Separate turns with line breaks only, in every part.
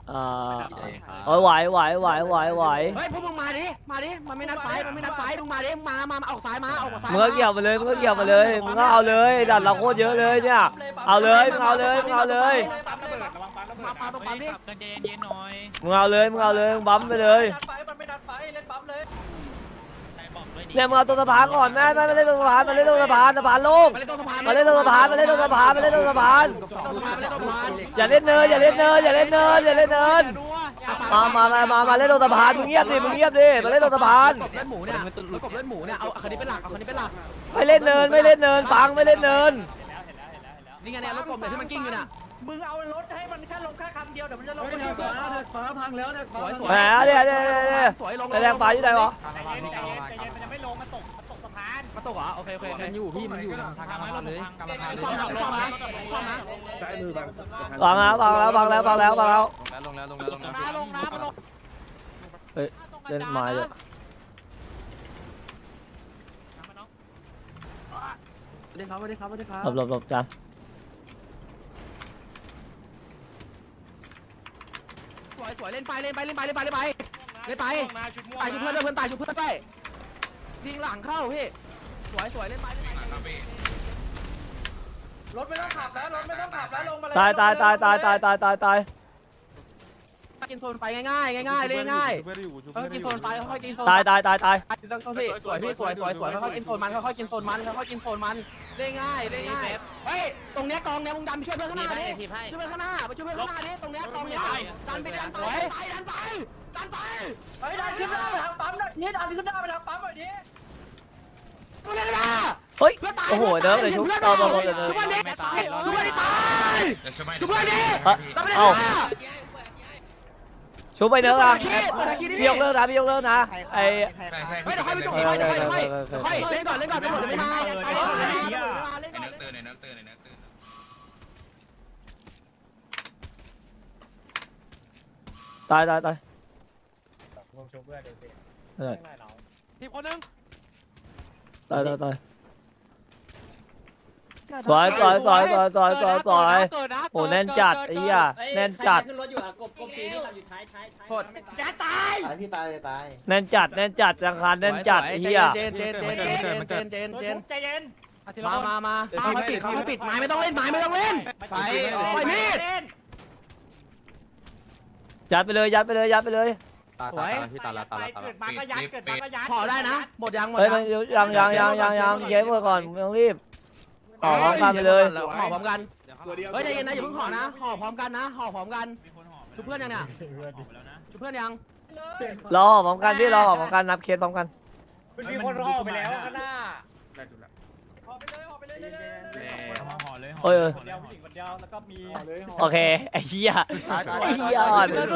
โอ้ยไหวเ
ฮ้ยพวกมึงมาดิมันไม่นัดไฟมึงมาดิมาออกซ้ายมาออกซ้าย
มึงก็เกี่ยวมาเลยมึงก็เอาเลยดัดเราโคตรเยอะเลยเนี่ยเอาเลยมึงเอาเลยมาตรงปั๊มดิมึงเอาเลยมึงบั๊มไปเลยเนี่ยมึงเอาตัวสะพานก่อนแม่ไม่เล่นตัวสะพานมาเล่นตัวสะพานโล่งมาเล่นตัวสะพานอย่าเล่นเนินมาเล่นตัวสะพานมึงเงียบดิมาเล่นตัวสะพาน
กบเลือดหมูเนี่ยเอาคันนี้เป็นหลัก
ไม่เล่นเนินฟังไม่เล่นเนิน
นี่ไงเนี่ยรถกบเนี่ยที่มันกิ้งอยู่น่ะ
มึงเอารถให้มันแค่ลงแค่คำเดียวเดี๋ยวมันจะลง
ฟ้าพังแล้วเนี่ย
สวย
แหมเนี่ยแรงฟ้าอยู่ไหนวะ
มันยังไม่ลงมันตกสะพาน
มาตกเหรอโอเคมันอยู่พี่มันอยู่ทางกลางเลย
ใช้มือบัง
ฟังแล้ว
ลงนะ
เฮ้ยเล่นไม้เลย
ไม่ได้ครับ
หลบจาน
สวยเล่นไปชุบเพื่อนด้วยเพื่อนตายชุบเพื่อนไปวิ่งหลังเข้าพี่สวยเล่นไป
รถไม่ต้องขับแล้วลงมาเลย
ตาย
กินโซนไปง่ายเล่นง่ายกินโซนไปค่อยกินโซน
ตาย
ต้องพี่สวยพี่สวยค่อยกินโซนมันเล่นง่ายเฮ้ยตรงเนี้ยกองเนี้ยมึงดันไปช่วยเพื่อนข้างหน้าดิช่วยเพื่อนข้างหน้าดิตรงเนี้ยกองเนี้ยดันไป
เฮ้ยดันขึ้นหน้าไปทางปั๊มนี่ดันขึ้นหน้าไปทางปั๊มหน่อยดิ
ตัวเล็กนะ
เฮ้ยโอ้โหเด้อเลยชุบต่อ
ชุบเพื่อนดิตายชุบเพื่อนดิ
เอ้าชุบไปเด้อพี่ยกเลิกนะไอ้
ไม่เดี๋ยวค่อยไปจบค่อยเล่นก่อนไปหมดไม่มาเล่นก่อน
ตาย
ทีมคนนึง
ตายสวยโอ้แน่นจัดไอ้เหี้ยแน่นจัด
ขึ้นรถอยู่กบสีนี่ขับอยู่ท้าย
โทษจะตาย
พี่ตาย
แน่นจัดจังคารแน่นจัดไอ้เหี้ย
เจน
ใจเย็น
มาปิดไม้ไม่ต้องเล่นไปมีด
ยัดไปเลย
สวย
เกิดมาก็ยัด
พอได้นะหมดยัง
เฮ้ยมันยังเก็บไว้ก่อนไม่ต้องรีบห่อพร้อมกันไปเลย
ห่อพร้อมกันเฮ้ยใจเย็นนะอย่าเพิ่งห่อนะห่อพร้อมกันชุบเพื่อนยังเนี่ยชุบเพื่อนยัง
รอพร้อมกันพี่รอพร้อมกันนับเคสพร้อมกัน
มีคนห่อไปแล้วข้างหน้าห่อไปเลย
เฮ้ย
คนเดียวผู้หญิงคนเดียวแล้วก็มี
โอเคไอ้เหี้ยอ่อน
เพื่อน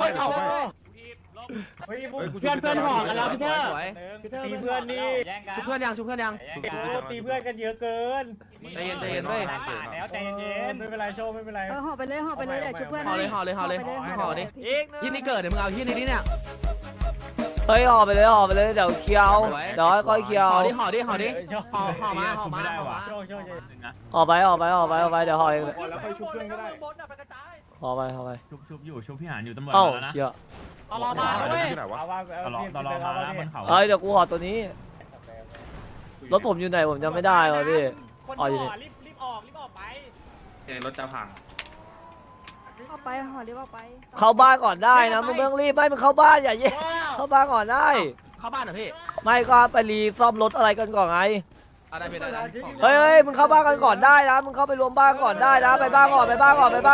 ห่อกันแล้วพี่เธอตีเพื่อนนี่
ชุบเพื่อนยัง
ตีเพื่อนกันเยอะเกิน
ใจเย็นเว้ย
แล้วใจเย็นไม่เป็นไรโชว์ไม่เป็นไร
ห่อไปเลยเดี๋ยวช่วยเพื่อน
ห่อเลยที่นี่เกิดเดี๋ยวมึงเอาที่นี้เนี่ย
เฮ้ยห่อไปเลยเดี๋ยวเคลียร์เดี๋ยวค่อยเคลียร์
ห่อดิห่อมา
ห่อไปเดี๋ยวห่อเอง
แล้วค่อยชุบเพื่อนก็ได้บนไปกระจาย
ห่อไป
ชุบพี่หานอยู่ตำรวจ
เอ้า
แล้วนะ
เชี่ย
ตลอดมาเว้ย
ตลอดมาแล้วบนเขา
เฮ้ยเดี๋ยวกูห่อตัวนี้รถผมอยู่ไหนผมจำไม่ได้ว่ะพี่
คนห่อรีบออกไป
รถจะพัง
เอาไปห่อเรียบเอาไป
เข้าบ้านก่อนได้นะมึงไม่ต้องรีบไม่มึงเข้าบ้านอย่าเย่เข้าบ้านก่อนได้
เข้าบ้านเหรอพี่
ไม่ก็ไปรีซ่อมรถอะไรกันก่อนไง
ได้พี่ได้
เฮ้ยมึงเข้าบ้านกันก่อนได้นะมึงเข้าไปรวมบ้านก่อนได้นะไปบ้านก่อนรวมบ้านก่อนรถ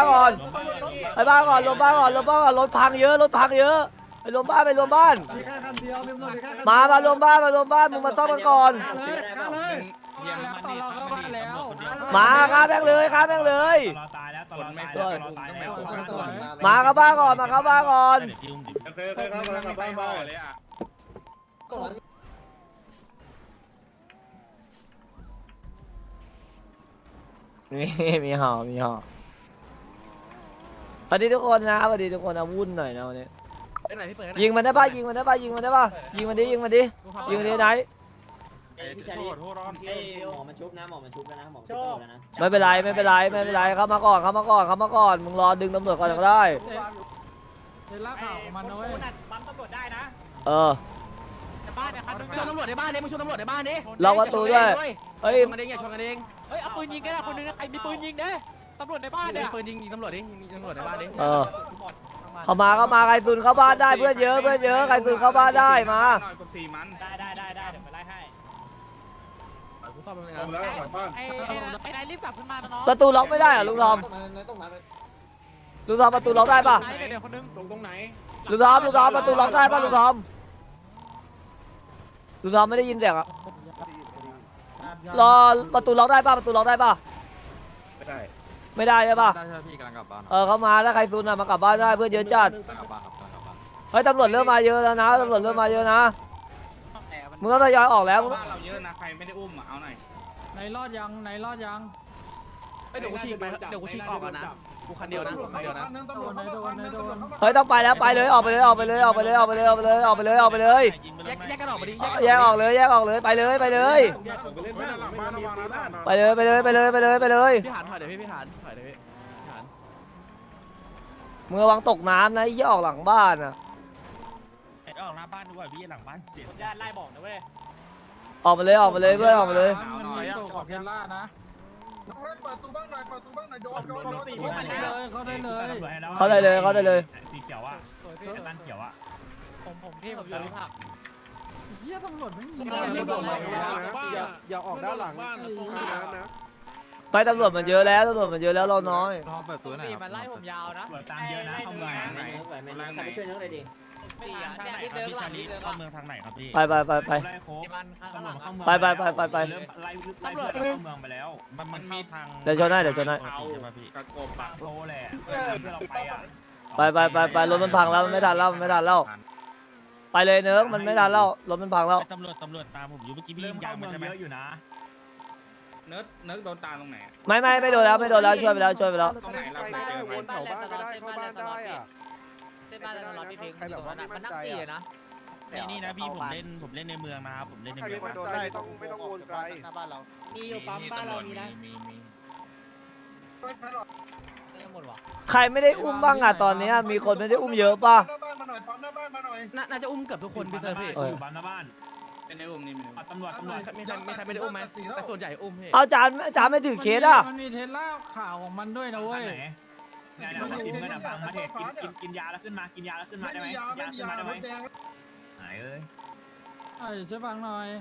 พังเยอะไปรวมบ้านมารวมบ้านมึงมาซ่อมกันก่อนมาฆ่าแม่งเลย
ตลอดตายแล้วตลอดไม่ตลอดตายแล้ว
มาเข้าบ้านก่อนมีห่อสวัสดีทุกคนนะวุ่นหน่อยนะวันนี้ยิงมันได้ป่ะยิงมันดิไหน
พี่ชายหมอมันชุบนะหมอมันชุบแล้วนะ
ไม่เป็นไรเข้ามาก่อนมึงรอดึงตำรวจก่อนก็ได้
ลากข่าวของมันนะเว้ย
ปั๊มตำรวจได้นะ
เออ
บ้านเนี่ยคันนึง
ชนตำรวจในบ้านดิมึงชนตำรวจในบ้านดิ
ล็อกประตูด้วยเฮ้ย
ชนกันเองอย่าชนกันเอง
เฮ้ยเอาปืนยิงก็ได้คนนึงนะใครมีปืนยิงเด้ตำรวจในบ้านเนี่ย
ปืนยิงตำรวจดิยิงตำรวจในบ้านดิ
เออเข้ามาใครซุนเข้าบ้านได้เพื่อนเยอะใครซุนเข้าบ้านได้มา
หน่อยกด4มัน
ได้เดี๋ยวไปไล่ให้
กูซ่อมมันเลย
เอา
นะ
แล้วกลับบ้าน
ไอ้นายรีบกลับขึ้นมานะน้อง
ประตูล็อกไม่ได้เหรอลุงทอมลุงทอมประตูล็อกได้ปะ
เดี๋ยวคนนึง
ตรงไหน
ลุงทอมประตูล็อกได้ปะลุงทอมไม่ได้ยินเสียงอะรอประตูล็อกได้ปะประตูล็อกได้ปะ
ไม่ได้
ไม่ได้ใช่ปะ
ได้ใช่พี่กำลังกลับบ้าน
เออเขามาถ้าใครซุนอะมากลับบ้านได้เพื่อนเยอะจัด
กำลังกลับบ้านครับกำลังกลับบ้าน
เฮ้ยตำรวจเริ่มมาเยอะแล้วนะตำรวจเริ่มมาเยอะนะมึงต้องทยอยออกแล้วมึง
บ้านเราเยอะนะใครไม่ได้อุ้มเอาหน่อย
ไหนรอดยัง
เดี๋ยวกูฉีกไปเดี๋ยวกูฉีกออกแล้วนะกูคันเดียวนะคันเดียวนะ
เฮ้ยต้องไปแล้วไปเลยออกไปเลยแยกกันออกมาดิ
แยกกันออก
ไปเลย
แยกผมไปเล่นบ้านไม่งั้นมีตีบ้าน
ไปเลย
พี่หานถอยเดี๋ยวพี่หานถอยเดี๋ยวพี่หาน
มึงระวังตกน้ำนะไอ้เหี้ยออกหลังบ้านอ่ะ
ออกหน้าบ้านด้วยพี่หลังบ้านเสียญาติไล่บอกนะเว้ย
ออกไปเลยเพื่อนออกไปเลย
หนาวหน่อย
ขอบเพลล่านะ
เปิดตู้บ้านหน่อยโดน
เขาได้เลย
เขาได้เลย
สีเขียวอ่ะบ้านเขียวอ่ะ
ผมพี่ผมอยู่ที่ผัก
อย่าออกด้านหลังนะ
ไปตำรวจมันเยอะแล้วเราน้อย
ลองเปิดตัวหน่อยครับ
มันไล่ผมยาวนะ
เปิดตามเยอะนะเข้าเมืองไหนไหน
ไปช่วยเนื้อเลยดิเนี่ยพี่เดินหลังพี่เดินเข้าเมืองทางไหนครับพี่
ไป
ไล่โค้ง
มันข้างหลัง
เข้าเมือง
ไป
เริ่มไล่เข้าเมืองไปแล้ว
มันเข้าทาง
เดี๋ยวชนให้
เอากระโกบปากโตแหละที่เราไปอ่ะ
ไปรถมันพังแล้วมันไม่ทันแล้วไปเลยเนิร์กมันไม่ทันแล้วรถมันพังแล้ว
ตำรวจตามผมอยู่เมื่อกี้พี่
เริ่
ยิ
ม
งยา
เข้าง เมื
มั
อน ง
ใช่ไหม
เยอะอยู่นะ
เนิร์ดโดนตามตรงไหน
ไม่โดนแล้วช่วยไปแล้ว
ตรงไหนเราไปเจอ
วนแถวบ้านก็ได้เข้าบ้านได้อะ
เส้นบ้านเราพี่พิงค์ตรงนั้นมันนั่งขี่นะนี่นะพี่ผมเล่นในเมืองนะครับผมเล่นใน
ใคร
เมือง
ไม่โดนได้ไม่ต้องวนไกล
หน้าบ้านเรา
มีอยู่ปั๊มบ้านเรามีนะ
หมดวะ
ใครไม่ได้อุ้มบ้างอ่ะตอนนี้มีคนไม่ได้อุ้มเยอะป่ะ
หน้าบ้านมาหน่อยปั๊มหน้าบ้านมาหน่อย
น่าจะอุ้มเกือบทุกคนพี่เซอร์พี่
อยู่บ้านหน้าบ้านเป็นในอุ้มนี่ตำรวจ
มีใครไม่ได้อุ้มไหมแต่ส่วนใหญ่อุ้มพี่
เอาจานไม่ถือเคสอ่ะ
มันมีเทสลาข่าวของมันด้วยนะเว้ย
งานกินเงินฟังมาเทกินยาแล้วขึ้นมาได้ไหมยาขึ้นมาได้ไหม
แดง
หายเลย
ช่วยฟังหน่อย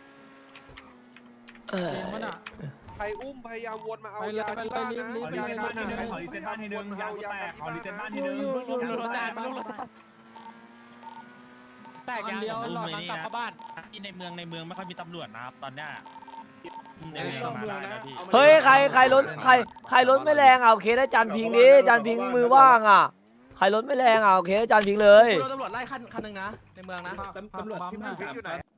เกมมันอ่ะ
ใครอุ้มพยายามวนมาเอา
ไปเลย
ยาที่บ้านนะ
ขอรีเซ็ตบ้านทีนึงขอรีเซ็ตบ้านทีนึงยาแตกขอรีเซ็ตบ้านทีนึง
แตกอย่างเดียวหลอดมันกลับเข้าบ้านที่ในเมืองไม่ค่อยมีตำรวจนะครับตอนเนี้ยในเมืองมาได้นะพี่
เฮ้ยใครรถไม่แรงเอาเคสให้จานพิงดิจานพิงมือว่างอ่ะใครรถไม่แรงเอาเคสให้จานพิงเลย
โดนตำรวจไล่คันนึงนะในเมืองนะ
ตำรวจที่บ้านอยู่ไหน